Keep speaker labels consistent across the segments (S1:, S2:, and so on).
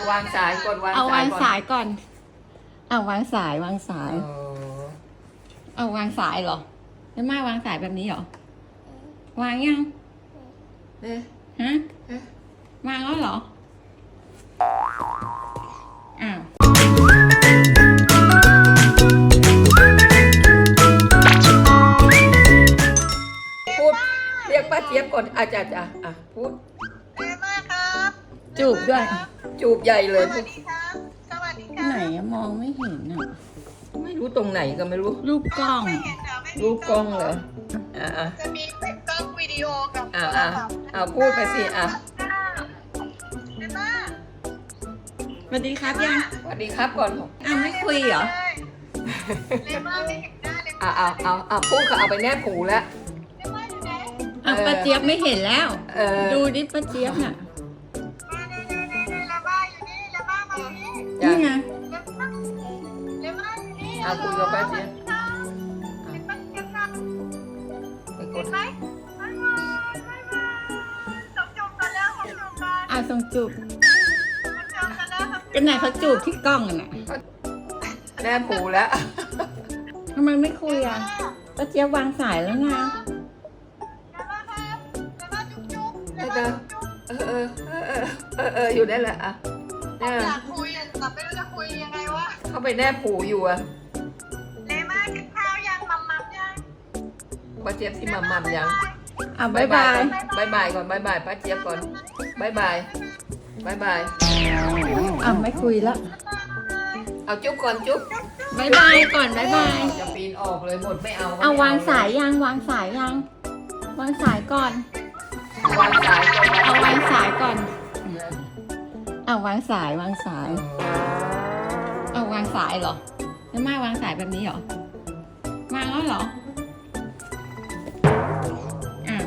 S1: วางสายกดวาง
S2: เอาวาง
S1: ก่อน
S2: สายก่อนเอาวางสายวางสาย
S1: อ๋อ
S2: เอาวางสายเหรอแล้วมาวางสายแบบนี้เหรอวางยัง
S1: เอ๊ะ
S2: ฮะ
S1: เอ๊ะ
S2: วางแล้วเหรออ้าว
S1: พูดเรียกป้าเจี๊ยบก่อนอาจารย์อ่ะพูด
S3: เจ๊มากครับ
S2: จูบด้วย
S1: จูบใหญ่เลย
S3: สวัสดีครับ สวัสดีครั
S2: ไหนอะมองไม่เห็นอะ
S1: ไม่รู้ตรงไหนก็ไม่รู้
S2: รูปกล้อง
S3: ไม่เห็นเหรอไม่มี
S1: รูปกล้องเหรออ่ะ
S3: จะมีเป็นกล้องวิดีโอกับ
S1: เอาพูดไปสิอ่ะ
S3: เจ๊มาก
S2: สวัสดีครับยัง
S1: สวัสดีครับก่อน
S2: อ้าวไม่คุยเหรอ
S3: เจ๊มากไม่เห็นหน้าเลย
S1: เอาพูดก็เอาไปแนบหูแล้ว
S3: เจ๊มากอยู่ไหน
S2: อ้าวป้าเจี๊ยบไม่เห็นแล้ว
S1: ดู
S2: ดูดิป้าเจี๊ยบน่ะ
S3: มาเจ๊มากอยู่นี่เจ๊มากมาอยู่นี่
S2: นี่ไง
S3: เจ๊มากอยู่นี่
S1: เอาคุยกับป้าเจี๊ยบ
S3: เจ๊มากเจ๊มาก
S1: ไปก
S3: เห็
S1: ด
S3: นไหมบ๊ายบายบ๊ายบายจบกันแล้วจบกัน
S2: อ้าวส่งจูบ
S3: จบกันแล้วครับ
S2: กันไหนเขาจูบที่กล้องอะน่ะ
S1: แนบหูแล้ว
S2: ทำไมไม่คุยอ่ะป้าเจี๊ยบวางสายแล้วนะ
S3: เจ๊มากครับเจ๊มากจุ๊บจุ๊บเจ๊
S1: เอ
S3: มา
S1: ออยู่ได้แหละอ่ะ
S3: อยากคุยแต่ไม่รู้จะคุยยังไงวะ
S1: เข้าไปแนบหูอยู่อ่ะ
S3: เลม่ากินข้าวยังมัมมัมยัง
S1: ป้าเจี๊ยบที่มัมยัง
S2: อ้าวบ๊ายบาย
S1: บายบายก่อนบายบายป้าเจี๊ยบก่อนบายบายบายบาย
S2: อ้าวไม่คุยแล้ว
S1: เอาจุ๊บก่อนจุ๊บ
S2: บ๊ายบายก่อนบ๊ายบาย
S1: จะปีนออกเลยหมดไม่เอา
S2: เอาวางสายยังวางสายยังวางสายก่อน
S1: วางสายก่อน
S2: เอาวางสายก่อนเอาวางสายวางสาย เอาวางสายเหรอแล้วมาวางสายแบบนี้เหรอวางแล้วเหรออ้าว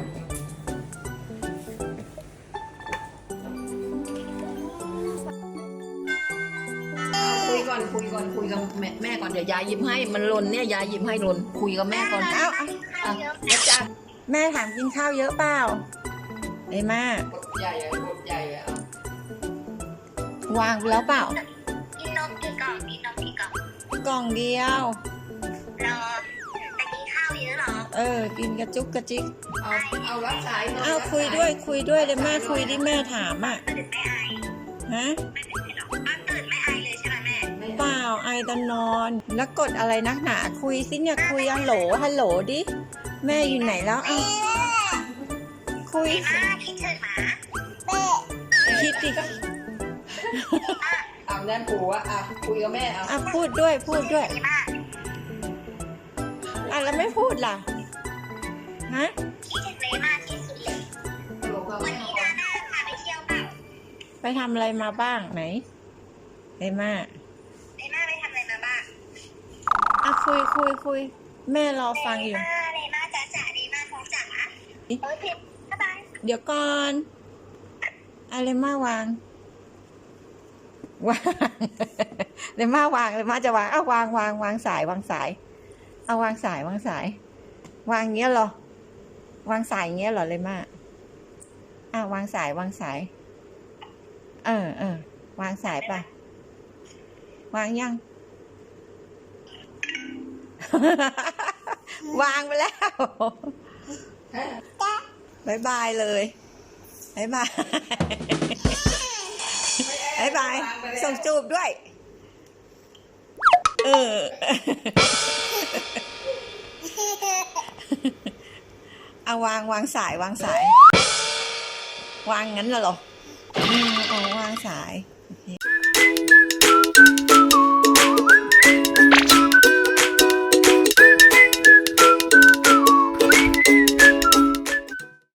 S1: คุยก่อนคุยกับแม่ก่อนเดี๋ยวยายหยิบให้มันหล่นเนี่ยยายหยิบให้หล่นคุยกับแม่ก่อน
S2: เอ้า
S1: อ่ะแล้วจ้า
S2: แม่ถามกินข้าวเยอะเปล่าไอ้มาก
S1: ดใหญ่อะกดใหญ่อะ
S2: วางไปแล้วเปล่า
S3: กินนมกี่กล่องกินนมกี่กล่อง
S2: กล่องเดียว
S3: รอแต่กินข้าวเยอะหรอ
S2: กินกระจุกกระจิก
S1: เอารับสายหน่อย
S2: อ้าวคุยด้วยเดี๋ยวแม่คุยดิแม่ถามอ่ะ
S3: ตื่นไม่อาย
S2: ฮะ
S3: ไม่ตื่นไม่อายเลยใช่ไหมแม่
S2: เปล่าไอตอนนอน แล้วกดอะไรนักหนาคุยสิเนี่ยคุยฮัลโหลดิ แม่อยู่ไหนแล้วเอ้าคุย
S3: แม่คิดถึงหมา
S2: คิดดิ
S1: เอาแน่นหูอะคุยกับแม่เอา
S2: อ่ะพูดด้วย
S3: ดีมาก
S2: อ่ะแล้วไม่พูดล่ะฮะ
S3: คิดถึงเลม่าที่สุดเลยวันนี้นาน่าพาไปเที่ยวเปล่า
S2: ไปทำอะไรมาบ้างไหนไอ้มา
S3: เลม่าไปทำอะไรมาบ้าง
S2: อ่ะคุยแม่รอฟังอยู่
S3: เลม่าจ๋าเลม่าท้องจ๋าโอเคบ๊ายบาย
S2: เดี๋ยวก่อนอะไรมาวางเลยมาวางจะวางเอาวางสายวางสายเอาวางสายวางเงี้ยเหรอวางสายเงี้ยเหรอเลยมาวางสายวางสายวางสายป่ะวางยัง วางไปแล้วบายบายเลยบายบายบายบายส่งจูบด้วยเอาวางสายวางงั้นเหรอวางสาย